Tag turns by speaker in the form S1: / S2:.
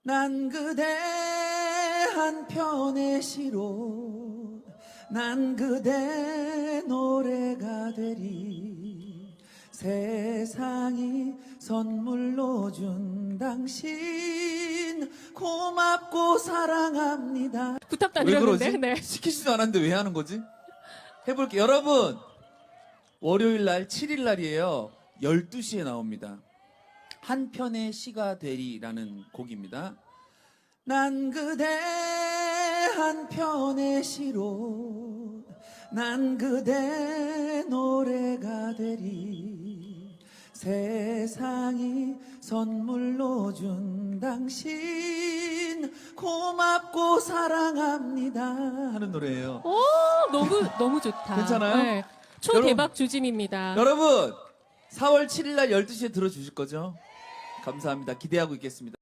S1: 난 그대 한편의 시로 난 그대 노래가 되리 세상이 선물로 준 당신 고맙고 사랑합니다.
S2: 부탁도 안
S1: 왜
S2: 드렸는데.
S1: 그러지?
S2: 네.
S1: 시키지도 않았는데 왜 하는 거지? 해볼게요. 여러분, 월요일 날 7일 날이에요. 12시에 나옵니다. 한편의 시가 되리라는 곡입니다. 난 그대 한편의 시로 난 그대 노래가 되리 세상이 선물로 준 당신 고맙고 사랑합니다 하는 노래예요.
S2: 오, 너무 좋다.
S1: 괜찮아요?
S2: 네. 초대박 주짐입니다.
S1: 여러분 4월 7일 날 12시에 들어주실 거죠? 감사합니다. 기대하고 있겠습니다.